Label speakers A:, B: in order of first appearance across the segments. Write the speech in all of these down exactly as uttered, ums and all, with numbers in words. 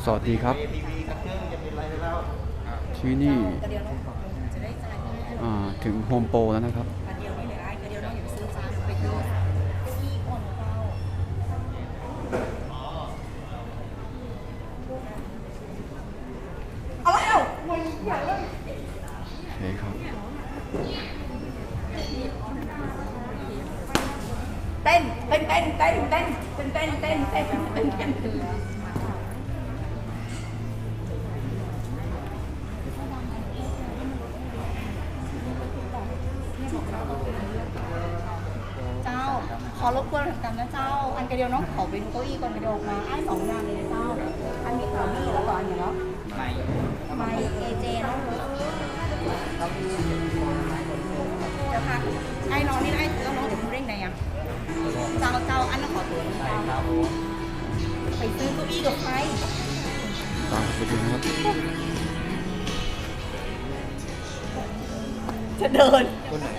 A: สวัสดีครับที่นี่ถึงโฮมโปรแล้วนะครับโอเคครับ
B: เต้นเต้นเต้นเต้นเต้นเต้นเต้นเต้นเต้นเต้นเต้นเต้นเจ้าขอรบกวนเหมือนกันนะเจ้าอันกระเดียวน้องขอไปดูเก้าอี้ก่อนกระเดียวออกมาไอ้สองอย่างเลยนะเจ้าอันนี้ขอนี่แล้วก็อันนี้เนาะไม่ไม่เอเจเนาะเจ้าค่ะไอ้น้องนี่ไอ้แล้วน้องเดี๋ยวคุณเร่งไหนอ่ะเจ้าเจ้าอันนั้นขอตัวเจ้าไปซื้อเก้าอี้กับใคร
A: ตามไปดูนะครับ
B: จะเดิน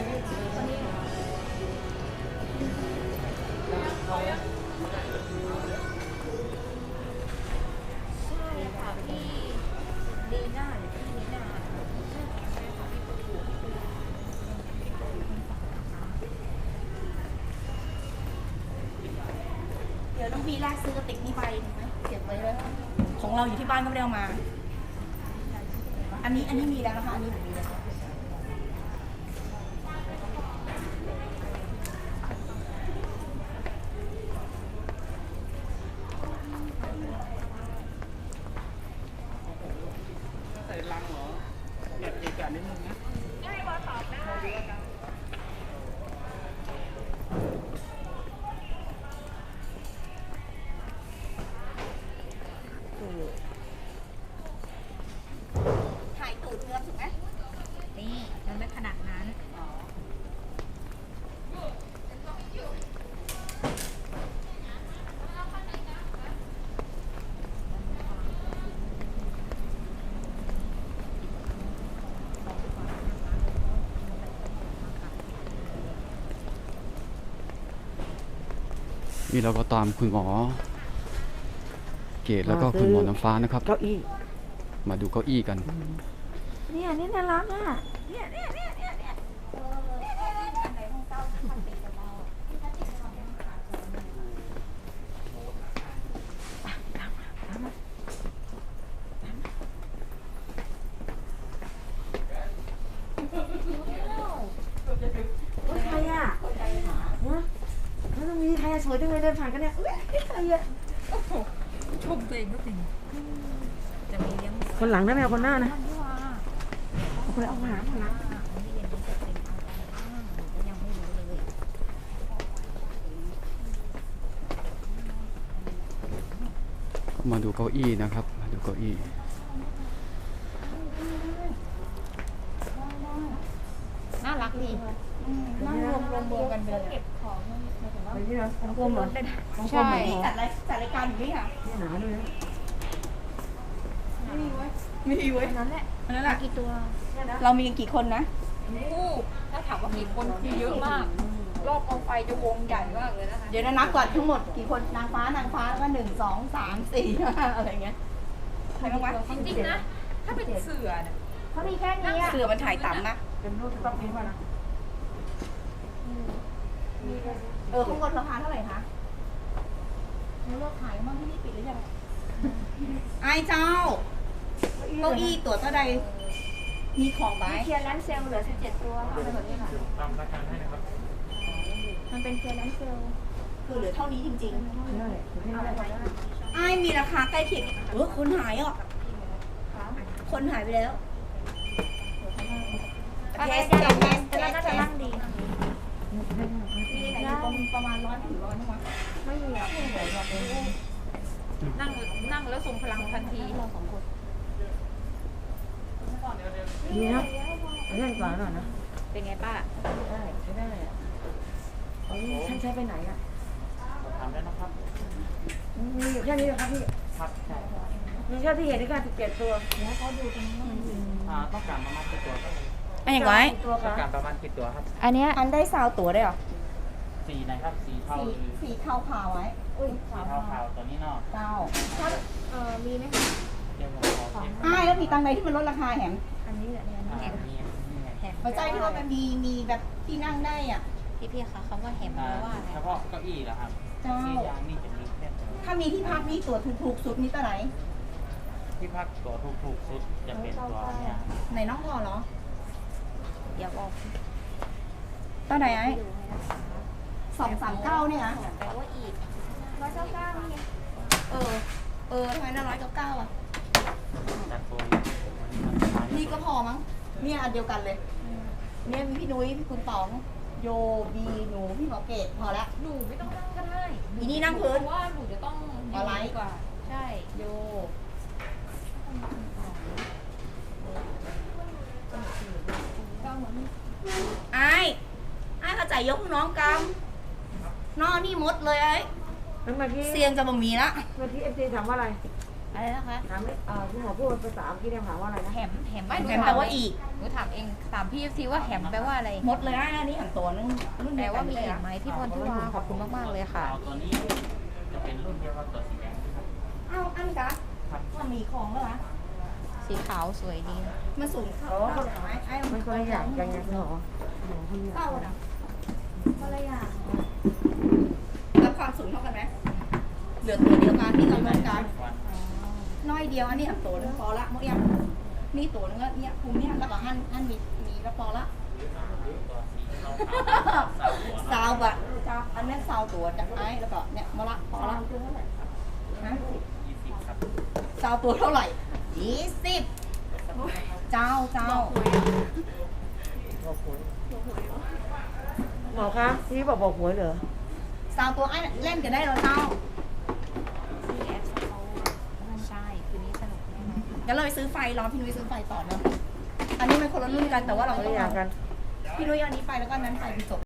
B: เดี๋ยวน้องบีแรกซื้อกระติกนี่ไปไหมเก็บไว้เลยของเราอยู่ที่บ้านก็ไม่ได้เอามาอันนี้อันนี้มีแล้วนะคะอันนี้มีแล้วใส่ลังเหรอเก็บอีกอันนิดนึงนะได้ว่าตอบได้ถ่ายตูดเนื้อถูกไหมนี่มันไม่ขนาดนั้น
A: นี่เราก็ตามคุณหมอเกตแล้วก็คุณหมอน้ำฟ้านะครับ
B: เก้าอี้
A: มาดูเก้าอี้กัน
B: เนี่ยนี่น่ารักอ่ะเนี่ยเนี่ยเนี่ยเนี่ยเนี่ยใครอ่ะเนี่ยแล้วตรงนี้ใครสวยจังเลยเดินผ่านกันเนี่ยใครอ่ะ
C: ชมตัวเองก็เป็นจะมีเลี้ยง
B: คนหลังนะแมวคนหน้านะคนเอาหางคนหลัง
A: มาดูเก้าอี้นะครับมาดูเก้าอี้
C: น่ารักดีนั่งรวมรวมรวมกันไปเลยเก็บของ
B: ไปที่นะรวมรถ
C: ใช่
B: จัดรายจัดรายการอยู่นี่ค่ะนี่หนาด้วยนะมีไว้มีไว้นั้นแหละนั้นแหละ
C: กี่ตัว
B: เรามีกันกี่คนนะ
C: อู้ถ้าถามว่ากี่คนคือเยอะมากรอบกองไฟจะวงใหญ่มากเลยนะคะ
B: เดี๋ยวนะนับก่อนทั้งหมดกี่คนนางฟ้านางฟ้าแล้วก็หนึ่งสองสามสี่อะไรเงี้ยใครบ้างวะ
C: จริงๆนะถ้าเป็นเสือเนี่ย
B: เขามีแค่นี้เสือมันถ่ายต่ำนะเป็นรูปต้องพิมพ์มานะเออข้างบนราคาเท่าไหร่คะแล้วเราขายมั่งที่นี่ปิดหรือยังไอ้เจ้าเก้าอี้ตัวเท่าใดมีของไหม
C: เคียร์แลนเซลเหลือสิบเจ็ดตัวค่ะ
D: ตามราคาให้นะครับ
C: มันเป็นเคียร์แลนเซล
B: คือเหลือเท่านี้จริงๆไอ้มีราคาใกล้เคียงเออคนหายอ่ะคนหายไปแล้ว
C: เทสเทสเทสแล้วน่าจะนั่งดี
B: มีไหนประมาณร้อยถึงร้อยมั้ง
C: ไม่มีอ่ะนั่งนั่งแล้วส่งพลังทันทีเราสองคน
B: ดีนะเล่นกว่าหน่อยนะ
C: เป็นไงป้า
B: ได้ใช้ได้เลยอ่ะฉันใช้ไปไหนอ่ะ
D: ถามได้นะครับ
B: มีอยู่แค่นี้ครับพี่
D: ครับใช่
B: มีแค่ที่เห็นในการสิบเจ็ดตัว
C: แล้วเขาดูตรงนี้
D: อ่าต้องการประมาณกี่ตัวครับ
B: อันอย่างไร
D: ต้องการประมาณกี่ตัวครับ
C: อันนี้
B: อันได้ซาวตัวได้หรอ
D: สีไหนครับสีเทา
B: สีเทาขาวไว้อุ้ย
D: สีเทาขาวตัวนี้เนาะ
B: เทา
C: ถ้าเอ่อมีไหมคะ
B: มีตังค์ไหนที่มันลดราคาแหม
C: อันนี้แหละเนี่ย
D: อ่า
C: แหม
D: มีมีไง
C: แหม
B: เข้าใจที่ว่ามันมีมีแบบที่นั่งได้อ่ะ
C: พี่พี่คะคำว่าแหมแป
D: อ่า
C: ลว่าอะไร
D: เฉพาะเก้าอี้เหรอครับ
B: เจ้า
D: ที่ยางนี่จะมีแค่
B: ถ้ามีที่พักนี่ตัวถูกๆสุดนี่ตัวไหน
D: ที่พักตัวถูกๆสุดจะเป็นตัวเนี่ย
B: ไหนน้องพอเหรอ
C: อย่าบอก
B: ตัวไหนไอ้
C: ดูให้นะคะ
B: สองสามเก้าเนี่ยนะ
C: แปลว่าอีก
B: ร้อยเก้าเก้านี่ไงเออ เออทำไมน่าร้อยเก้าเก้าอ่ะ
D: จัดโปร
B: นี่ก็พอมั้งเนี่ยอันเดียวกันเลย เนี่ยมีพี่นุ้ยพี่คุณป๋อง โยบีหนูพี่หมอเกตพอละ
C: หนูไม่ต้องนั่งก็ได้
B: อีนี่นั่งพื้น
C: เพราะว่าหนูจะต้อง
B: เอาไลฟ์
C: ดีกว่า ใช่
B: โยไอ้ไอ้เข้าใจยกน้องกำน้องนี่มดเลยไอ้
E: แล้วเมื่อกี้
B: เสียงจะบ่มีละ
E: เมื่อกี้เอฟซีถามว่าอะไร
C: อะไรนะคะ
E: ถามเอ่อคุณหมอพูดภาษาเมื่อกี้เนี่ยถามว่าอะไรนะ
C: แหมแหมไม่หนู
B: แหม
C: ถาม
B: แปลว่าอีก
C: หนูถามเองถามพี่ซีว่าแหมแปลว่าอะไร
B: มดเลยไอ้อันนี้หันตัวนึงรุ่น
C: แปล
B: เดียวกั
C: ว่าน มี
B: เลย
C: อี
B: อะ
C: กไหมพี่พรทิวาขอบคุณมากๆเลยค่ะ
D: เอาตัวนี้จะเป็นรุ่นเดียวกับตัวสีแดงครับ
B: เอ้าอันกะ
D: ครับ
B: มันมีของแล้วนะ
C: สีขาวสวยดี
B: มันสูงเข้าเข้าเหรอไหมไอ้
E: มันคนละอย่างกันไงคุณหมอหมอคนละอย่าง
B: เข้าอ่ะคนละอย่างแล้วความสูงเท่ากันไหมเหลือตัวเดียวกันนี่กับเหมือนกัน
D: วัน
B: น้อยเดียวอันนี้หันตัวนึงพอละหมดยังนี่ตัวนึงก็เนี่ยคุมเนี่ยแล้วก็หั่นหั่นมีมีแล้วพอละ
D: ตัวสีขาวๆสาวหัว
B: ซาวบะซาวอันนั้นซาวตัวจากไอ้แล้วก็เนี่ยมาละพอละฮะ
D: ยี่สิบครับ
B: ซาวตัวเท่าไหร่ยี่สิบเจ้าเจ้า
E: บอกหวยหมอคะที่บอกบอกหวยเหรอ
B: ซาวตัวไอ้เล่นกันได้เหรอเจ้า
C: ซีแอฟเขาใช่คืนนี้สนุกแน่นอน
B: งั้นเราไปซื้อไฟรอพี่นุ้ยซื้อไฟต่อเนอะอันนี้มันคนละรุ่นกันแต่ว่าเรา
E: คน
B: ต้
E: ละ
B: อง
E: อย่าง
B: เอา
E: กัน
B: พี่นุ้ยเอาอันนี้ไปแล้วก็อันนั้นไฟไปจบ